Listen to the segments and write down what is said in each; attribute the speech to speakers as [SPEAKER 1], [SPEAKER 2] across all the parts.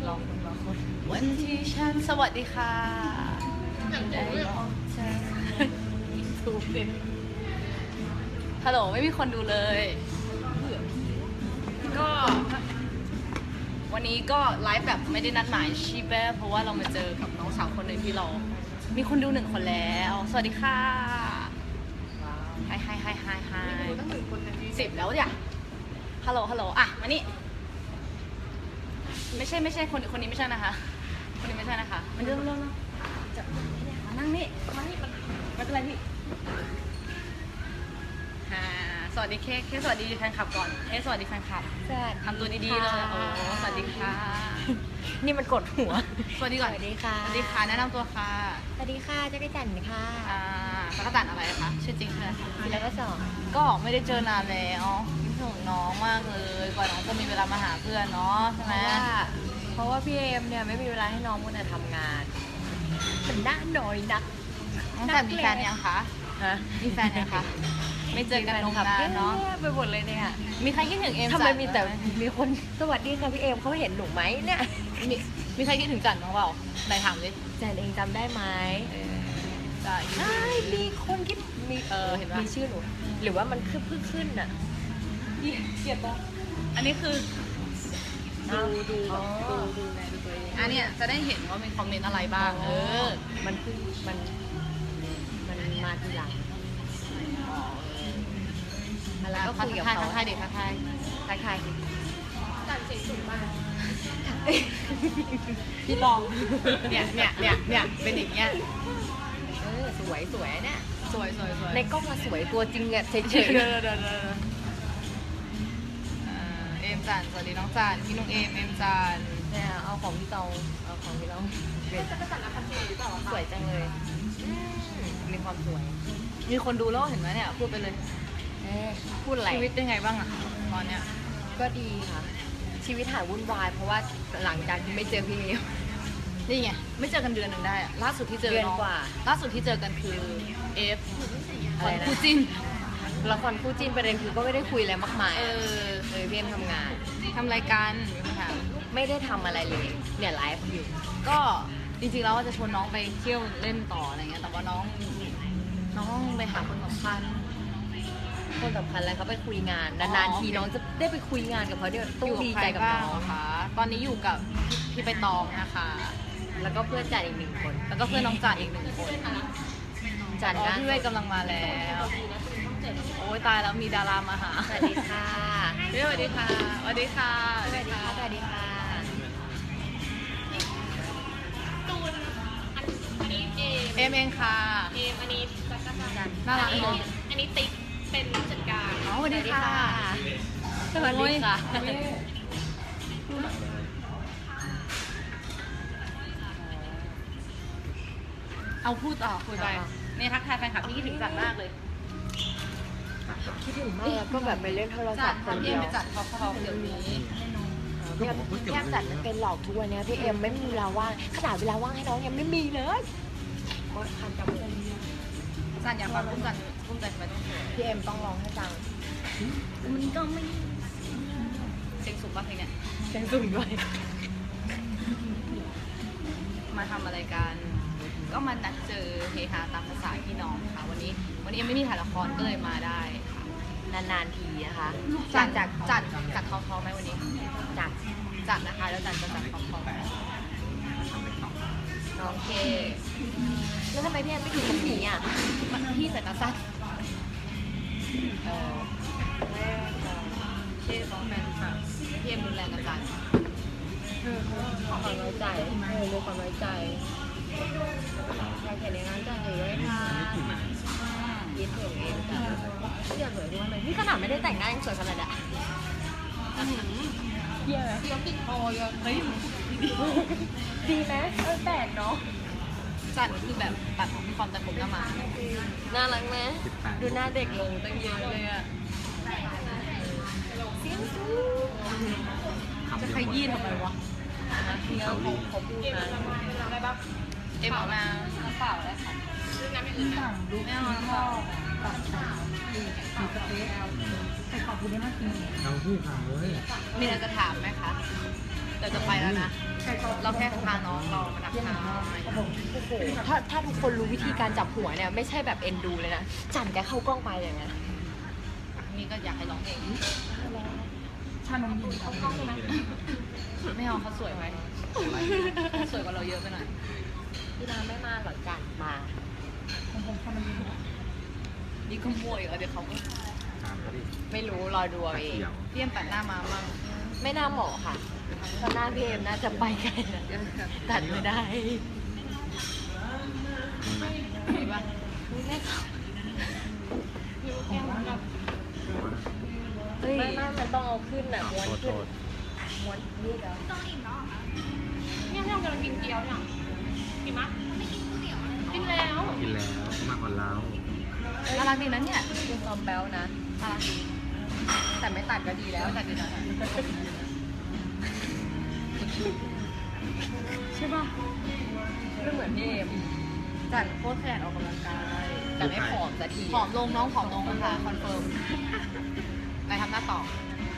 [SPEAKER 1] รอคนวันที่ฉันสวัสดีค่ะได้ลองเจอทูบเป็นฮัลโหลไม่มีคนดูเลยก็วันนี้ก็ไลฟ์แบบไม่ได้นัดหมายชีแบเพราะว่าเรามาเจอกับน้องสาวคนหนึ่งที่เรามีคนดู1 คนแล้วสวัสดีค่ะไฮ10แล้วจ้ะฮัลโหลอ่ะมานี่ไม่ใช่คนนี้ไม่ใช่นะคะคนนี้ไม่ใช่นะคะมันเริ่มจะมานั่งนี่มานี่ไม่เป็นไรพี่สวัสดีเคสวัสดีแฟนคลับก่อนสวัสดีแฟนคลับทำตัวดีๆเลยโอ้สวัสดีค่ะ
[SPEAKER 2] นี่มันกดหัว
[SPEAKER 1] สวัสดีก่อน
[SPEAKER 2] สวัสดีค่ะ
[SPEAKER 1] สวัสดีค่ะแนะนำตัวค่ะ
[SPEAKER 2] สวัสดีค่ะจักรจันทร์ค่ะ
[SPEAKER 1] จักรจันทร์อะไรคะชื่อจริงคืออะไรคะ
[SPEAKER 2] แล้วก็
[SPEAKER 1] ก็ไม่ได้เจอนานแล้วคิดถึงน้องมากเลยกว่าน้องจะมีเวลามาหาเพื่อนเนาะใช่ไหม
[SPEAKER 2] เพราะว่าพี่เอมเนี่ยไม่มีเวลาให้น้องมัวแต่ทำงานมันด้านน้อยนัก
[SPEAKER 1] น้องจันมีแฟนยังคะมีแฟนยังคะไม่เจอกันนานเนาะ
[SPEAKER 2] ไปหมดเลยเนี่ย
[SPEAKER 1] มีใครคิดถึงเอม
[SPEAKER 2] ทำไมมีแต่มีคนสวัสดีค่ะพี่เอมเขาเห็นหนูไหมเนี่ย
[SPEAKER 1] มีใครคิดถึงจันบ้างเปล่าไหนถามดิ
[SPEAKER 2] จันเองจำได้ไหม
[SPEAKER 1] ใช่
[SPEAKER 2] มีคนคิดมี
[SPEAKER 1] เห็นไหม
[SPEAKER 2] มีชื่อหนูหรือว่ามันขึ้นอ่ะ
[SPEAKER 1] เกลียดปะอันนี้คือดูไงดูตัวเองอันนี้จะได้เห็นว่ามีคอมเมนต์อะไรบ้าง
[SPEAKER 2] มันคือมันมาทีหลังแล้วก็คุยกับเขา
[SPEAKER 1] ทักทายเด็กทักทาย
[SPEAKER 2] จันเสียงสูงมาก
[SPEAKER 1] พี่ตองเนี่ยเป็นอย่างเงี้ย
[SPEAKER 2] สวยเนี่ย
[SPEAKER 1] สวย
[SPEAKER 2] ในกล้องมาสวยตัวจริงอะเฉย
[SPEAKER 1] เอมจันสวัสดีน้องจันพี่นุ้งเอมจัน
[SPEAKER 2] เนี่ยเอาของพี่ตองเป็นจักรจันทร์พันธุ์หรือเปล่าสวยจังเลยมีความสวย
[SPEAKER 1] มีคนดูแล้วเห็นไหมเนี่ยพูดไปเลย
[SPEAKER 2] พูดอะไร
[SPEAKER 1] ชีวิตเป็นไงบ้างอะตอนเนี้ย
[SPEAKER 2] ก็ดีค่ะชีวิตหายวุ่นวายเพราะว่าหลังจากที่ไม่เจอพี่เอม
[SPEAKER 1] นี่ไงไม่เจอกันเดือนหนึ่งได้อะล่าสุดที่เจอ
[SPEAKER 2] เดือนกว่า
[SPEAKER 1] ล่าสุดที่เจอกันคือ
[SPEAKER 2] อะไรนะ
[SPEAKER 1] คู่จิ้น
[SPEAKER 2] ละครคู่จิ้นประเด็นคือก็ไม่ได้คุยอะไรมากมายพี่เอมทำงาน
[SPEAKER 1] ทำรายการ
[SPEAKER 2] ไม่ได้ทำอะไรเลยเนี่ยไลฟ์อยู่
[SPEAKER 1] ก็จริงๆแล้วว่าจะชวนน้องไปเที่ยวเล่นต่ออะไรเงี้ยแต่ว่าน้องไปหาคนสำคัญ
[SPEAKER 2] แล้วเขาไปคุยงานนานๆทีน้องจะได้ไปคุยงานกับเขาเนี่ยต้องดีใจกับน้อง
[SPEAKER 1] ค่ะตอนนี้อยู่กับพี่ใบตองนะคะ
[SPEAKER 2] แล้วก็เพื่อนจันอีก1 คน
[SPEAKER 1] แล้วก็เพื่อนน้องจันอีก1 คน
[SPEAKER 2] จันนะ
[SPEAKER 1] พี่เวทกำลังมาแล้วโอ้ยตายแล้วมีดารามาหา
[SPEAKER 2] สวัสดีค่ะ
[SPEAKER 1] สวัสดีค่ะ
[SPEAKER 2] สวัสดีค่ะ
[SPEAKER 3] ตูนอันนี้
[SPEAKER 1] เอมเองค่ะ
[SPEAKER 3] อันนี้จักรจันทร์
[SPEAKER 1] น่ารักเลย
[SPEAKER 3] อันนี้ติ๊กเป็นผู้จัดการ
[SPEAKER 1] สวัสดีค่ะ
[SPEAKER 2] สวัสดีค่ะ
[SPEAKER 1] เอาพูดต่อคุยไปเนี่ยทักทายแฟนคลับที่คิดถึงจัดมากเลย
[SPEAKER 2] คิดถึงมากก็แบบไปเล่นโทรศัพท์คนเดียว
[SPEAKER 1] ไปจัดเขาเดี๋ยวนี้
[SPEAKER 2] แค่จัดมันเป็นหลอกทุกวันนี้พี่เอ็มไม่มีเวลาว่างขนาดเวลาว่างให้น้องยังไม่มีเลยคันจมูก
[SPEAKER 1] จันอยากฟังพุ่มจันไปต้อง
[SPEAKER 2] พี่เอ็มต้องร้องให้ฟัง
[SPEAKER 1] มันก็ไม่เสียงสูงป่ะเพลงเนี้ย
[SPEAKER 2] เสียงสูงด้วย
[SPEAKER 1] มาทำอะไรกันก็มานัดเจอเฮฮาตามภาษาพี่น้องค่ะวันนี้ยังไม่มีถ่ายละครก็เลยมาได้
[SPEAKER 2] นานๆทีนะคะ
[SPEAKER 1] จัดทอไหมวันนี้จัดนะคะแล้วจัดจะจัดทอ
[SPEAKER 2] น้องเคแล้วทำไมพี่แอมไม่ดูกับหมีอ่ะ
[SPEAKER 1] พี่ใส่ตาสั้นพี่สองแฟนค่ะพี่เอ็มรุนแรงกับจัน
[SPEAKER 2] ความไว้ใจรู้ความไว้ใจใครเขียนในงานจันอยู่ด้วยค่ะยิ้มถึงเองจ้ะเดี๋ยวสวยด้วยเลยนี่ขนาดไม่ได้แต่งหน้ายังสวยขนาดอ่ะ
[SPEAKER 1] เยอะติดคอเยอะเฮ้ย
[SPEAKER 2] ดีไหมแปลกเนาะ
[SPEAKER 1] จันคือแบบตัดมีความตัดผมหน้ามา
[SPEAKER 2] น่ารักไหมดูหน้าเด็กลงตั้งเยอะเลยอ่ะ
[SPEAKER 1] เสียงสูงจะขยี้ทำไมวะ
[SPEAKER 2] พี่เขาพูดนะ
[SPEAKER 3] อะไรบ้าง
[SPEAKER 1] เอ็มเอาน้ำเปล่าได้ค่ะ
[SPEAKER 3] น้ำอย่างอื่นนะ
[SPEAKER 1] ไม่เอาน้ำเปล่า
[SPEAKER 4] ใส่ขอบคุณได้มากจริงเอาที่ถามเลย
[SPEAKER 1] มีอะไรจะถามไหมคะเดี๋ยวจะไปแล้วนะเราแค่พาน้องเรามาดักทาง
[SPEAKER 2] โอ้โหถ้าทุกคนรู้วิธีการจับหัวเนี่ยไม่ใช่แบบเอ็นดูเลยนะจันแกเข้ากล้องไปอย่างเงี้ย
[SPEAKER 1] นี่ก็อยากให้ร้องเอง
[SPEAKER 3] ชานมยินเขากล้องใช่ไหม
[SPEAKER 1] ไม่เอาเขาสวยไปสวยกว่าเราเยอะไปหน่อย
[SPEAKER 2] พี่นาไม่มาหรอกจันมา
[SPEAKER 1] นี่ก็มั่วอีกแล้วเดี๋ยวเขาก็
[SPEAKER 4] ถามเขาดิ
[SPEAKER 2] ไม่รู้รอดูเอาเอง
[SPEAKER 4] เขียว
[SPEAKER 1] เตรียมปัดหน้ามามั่ง
[SPEAKER 2] ไม่น่าเหมาะค่ะเพราะหน้าพี่เอ็มน่าจะไปไกลนะตัดไม่ได้
[SPEAKER 1] มีปะ
[SPEAKER 2] เฮ้ยไม่มันต้องเอาขึ้นอ่ะม้วน
[SPEAKER 4] โทษโท
[SPEAKER 2] ขึ้น
[SPEAKER 4] ษ
[SPEAKER 2] ม้วนนี่แล้ว
[SPEAKER 3] เนี่ยพี่เรากำลังกินเกี๊ยวเนี่ยกินมั้ยไม่กินก๋วยเตี๋ยวกินแล้ว
[SPEAKER 4] กินแล้วมากกว่าเรา
[SPEAKER 1] น่ารักดีนะเนี่ย
[SPEAKER 2] คือความแบ๊วนะ
[SPEAKER 1] น่ารักดี
[SPEAKER 2] แต่ไม่ตัดก็ดีแล้ว
[SPEAKER 1] แต่ดีนะใช่ป่ะ
[SPEAKER 2] ไม่เหมือนพี่เอ็ม
[SPEAKER 1] จันโคตรขยันออกกำลังกาย
[SPEAKER 2] แต่ไม่ผอมสักที
[SPEAKER 1] ผอมลงน้องผอมลงนะคะคอนเฟิร์มไปทำหน้าต่อ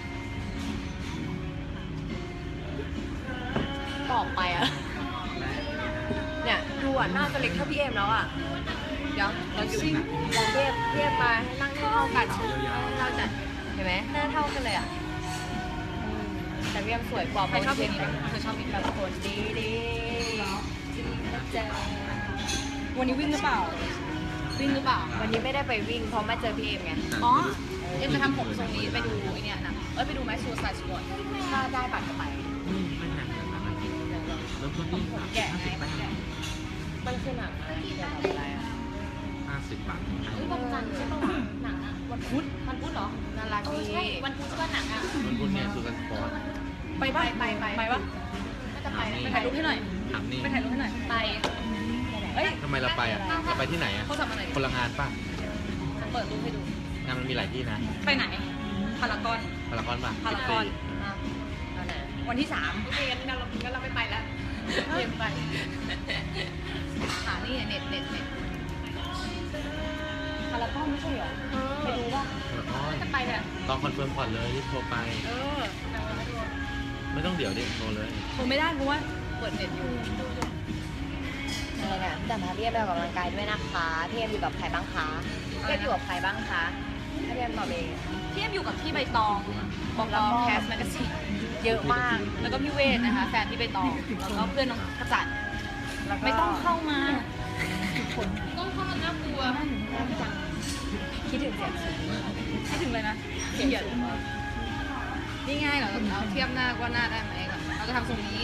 [SPEAKER 2] ต่อไปอ่ะ เนี่ยดูอ่ะหน้าจะเล็กเท่าพี่เอ็มแล้วอ่ะ เดี๋ยวเราอยู่ลองพี่เอ็มมาให้นั่งให้เท่ากันให้เราจัดเห็นไหมหน้าเท่ากันเลยอ่ะแต่พี่เอ็มสวยกว่า
[SPEAKER 1] ใครชอบเพลง
[SPEAKER 2] นี้
[SPEAKER 1] นี้เธอชอบเพลง
[SPEAKER 2] แบบคนดีดีเจอ
[SPEAKER 1] วันนี้วิ่งหรือเปล่า วิ่งหรือเปล่า
[SPEAKER 2] วันนี้ไม่ได้ไปวิ่งเพราะมาเจอพี่เอ็มไง
[SPEAKER 1] อ๋อเอ็มจะทำผมทรงนี้ไปดูไอเนี่ยนะไปดูไหมซูซายสปอร์ต
[SPEAKER 2] ถ้าได้บัตรก็ไป
[SPEAKER 4] ไม่แพงขนาดนั้นเริ่มต้นที่
[SPEAKER 1] แกะไงมันแกะ
[SPEAKER 2] มันคือหนังอะไรเกี่ยวกับอะไรอ่ะ
[SPEAKER 4] 50 บาท
[SPEAKER 3] เฮ้ยวันจันทร์ใช่ป่าวะหนังอะวันพุธเหรอ
[SPEAKER 1] น่ารัก
[SPEAKER 3] เออ
[SPEAKER 1] ดี
[SPEAKER 3] ใช่วันพุธใช่ป่ะหนังอะ
[SPEAKER 4] มันพูดเนี่ยสุกันสปอร์ต
[SPEAKER 1] ไปปะไปปะ
[SPEAKER 3] ก็จะไปนะ
[SPEAKER 1] ไปถ่ายรูปให้หน่อย
[SPEAKER 4] ถามนี่
[SPEAKER 1] ไปถ่ายรูปให้หน่อย ไปเอ้ย
[SPEAKER 4] ทำไมเราไปอ่ะ เราไปที่ไหนอ่ะ
[SPEAKER 1] เขาทำอะไร
[SPEAKER 4] คนละงานป่ะ
[SPEAKER 1] จะเปิดรูปให้ดู
[SPEAKER 4] งานมันมีหลายที่นะ
[SPEAKER 1] ไปไหน พารากอน
[SPEAKER 4] พารากอนป่ะ
[SPEAKER 1] พารากอน
[SPEAKER 2] อ่ะเอาไหน
[SPEAKER 1] วันที่
[SPEAKER 3] โอเคงั้นเราไม่ไปแล้ว
[SPEAKER 1] 3เตรียมไปหานี่เน็ตพารากอนไม่ใช่เหรอ ไปดูป่ะ
[SPEAKER 4] พารากอน
[SPEAKER 3] จะไปเนี่ย
[SPEAKER 4] ตอนคอนเฟิร์มก่อนเลยรีบโทรไป
[SPEAKER 1] เออ
[SPEAKER 4] ไม่ต้องเดี๋ยวดิโทรเลย
[SPEAKER 1] โทรไม่ได้เพราะว่าเปิดเน็ตอยู่
[SPEAKER 2] อะไรนะแต่พาพี่เอ็มไปออกกำลังกายด้วยนะคะพี่เอ็มอยู่กับใครบ้างคะพี่เอ็มอยู่กับใครบ้างคะให้พี่เอ็มตอบเอง
[SPEAKER 1] พี่เอ็มอยู่กับพี่ใบตองบอกเราแคสแมกกาซีน
[SPEAKER 2] เยอะมาก
[SPEAKER 1] แล้วก็พี่เวทนะคะ แฟนพี่ใบตอง แล้วก็เพื่อนน้องกระจัด
[SPEAKER 2] แล้วก็
[SPEAKER 1] ไม่ต้องเข้ามา
[SPEAKER 3] ต้องเข้ามาน่ากลัว
[SPEAKER 2] คิดถึงเสียงสูง
[SPEAKER 1] คิดถึงเลยนะเขียนนี่ง่ายเหรอเราเทียบหน้าว่าหน้าได้ไหมก่อนเราจะทำทรงนี้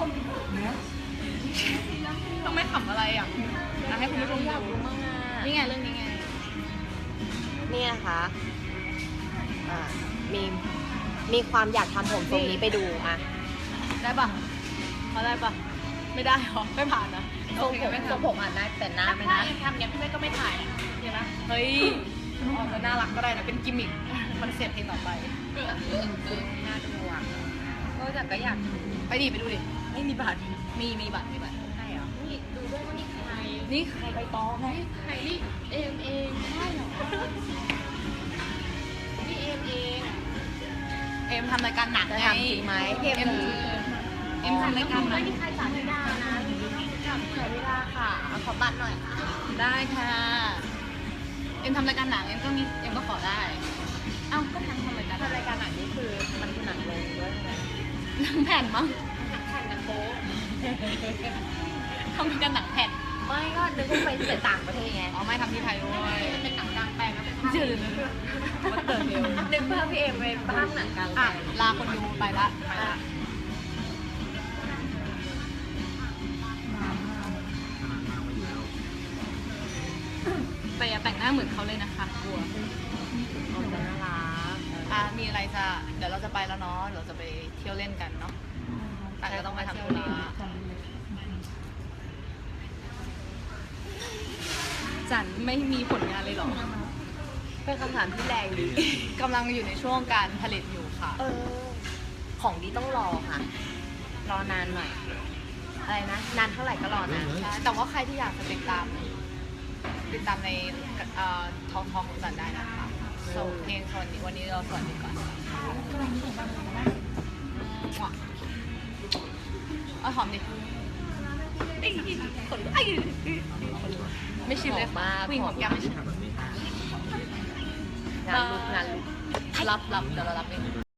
[SPEAKER 1] ต้องไม่ขำอะไรอ่ะให้คุณผู้ชม
[SPEAKER 2] อยาก
[SPEAKER 1] ดู
[SPEAKER 2] รู้มากอ่ะ
[SPEAKER 1] นี่ไงเรื่องนี้ไง
[SPEAKER 2] นี่นะคะอ่ามีความอยากทำผมทรงนี้ไปดูอ่ะ
[SPEAKER 1] ได้ปะเขาได้ปะไม่ได้หรอไม่ผ่านนะ
[SPEAKER 2] ทรงผม
[SPEAKER 1] ไม่
[SPEAKER 2] ทรง
[SPEAKER 1] ทำ
[SPEAKER 2] ผมอ่ะนะแต่หน้าไม่
[SPEAKER 3] ถ้า
[SPEAKER 2] นะ
[SPEAKER 3] เอ็มทำเนี่ยพี่เมย์ก็ไม่ถ่ายเห็นปะ
[SPEAKER 1] เฮ้ยออกจะน่ารักก็ได้นะเป็นกิมมิคคอนเซ็ปต์เพลงต่อไป
[SPEAKER 2] น่าดูอ่ะก็อยาก
[SPEAKER 1] ไปดิไปดูดิ
[SPEAKER 2] ไม่มีบัตร
[SPEAKER 1] มีบัตร
[SPEAKER 2] ใช่เหรอ
[SPEAKER 3] นี่ดูด้วยว่านี่ใคร
[SPEAKER 1] นี่ใครใบตองไง
[SPEAKER 3] ใครนี่เอ็มเองใช่เหรอนี่เอ็มเอง
[SPEAKER 1] เอ็มทำรายการหนัง
[SPEAKER 2] จะ
[SPEAKER 1] ไง
[SPEAKER 2] ทำจริงไหมพี่
[SPEAKER 1] เอ็มทำรายการหนั
[SPEAKER 3] ไม่
[SPEAKER 1] ง
[SPEAKER 3] มีใครสาธิดานะ
[SPEAKER 2] ใช้เวลาค่ะเอาขอบัตรหน่อยค่ะ
[SPEAKER 1] ได้ค่ะเอ็มทำรายการหนังเอ็มก็ขอได้เอ้าก็ทำรายการ
[SPEAKER 2] ทำรายการหนังนี่คือมันคือหนังลงด้วยใช่ไหม
[SPEAKER 1] หนังแผ่นมั้ง
[SPEAKER 3] แข่งกันโป๊ะ
[SPEAKER 1] ทำรายการหนังแผ่น
[SPEAKER 2] ไม่ก็นึกว่าไปที่ต่างประเทศไง
[SPEAKER 1] อ๋อไม่ทำที่ไทยด้วย
[SPEAKER 3] มันเป็นหนังกลางแปลงแล้วเป็นภาพ
[SPEAKER 1] จืดวัดเติร์เดียว
[SPEAKER 2] นึกว่าพี่เอ็มเป็นภาคหนังกลาง
[SPEAKER 1] อ่ะ
[SPEAKER 2] แปลง
[SPEAKER 1] ลาคนดูไปละแต่อย่าแต่งหน้าเหมือนเขาเลยนะคะกลัว
[SPEAKER 2] โอ้จะน่ารัก
[SPEAKER 1] มีอะไรจะเดี๋ยวเราจะไปแล้วเนาะเดี๋ยวเราจะไปเที่ยวเล่นกันเนาะแต่ก็ต้องไปทำธุระจันไม่มีผลงานเลยเหรอ
[SPEAKER 2] เป็นคำถามที่แรงดี
[SPEAKER 1] กำลังอยู่ในช่วงการผลิตอยู่ค่ะ
[SPEAKER 2] ของดีต้องรอค่ะ รอนานหน่อย อะไรนะ นานเท่าไหร่ก็รอนาน
[SPEAKER 1] ใช่แต่ว่าใครที่อยากจะติดตามในทองของจันได้นะคะส่งเพลงวันนี้เราสวัสดีก่อนเอาหอมดิคนไอ้ไม่ชิมเลย
[SPEAKER 2] มาก
[SPEAKER 1] ผู้หญิงหอมแก้มไม่ชิม
[SPEAKER 4] ทำแบบนี้
[SPEAKER 2] งานลุก
[SPEAKER 1] รับเดี๋ยวเรารับเอง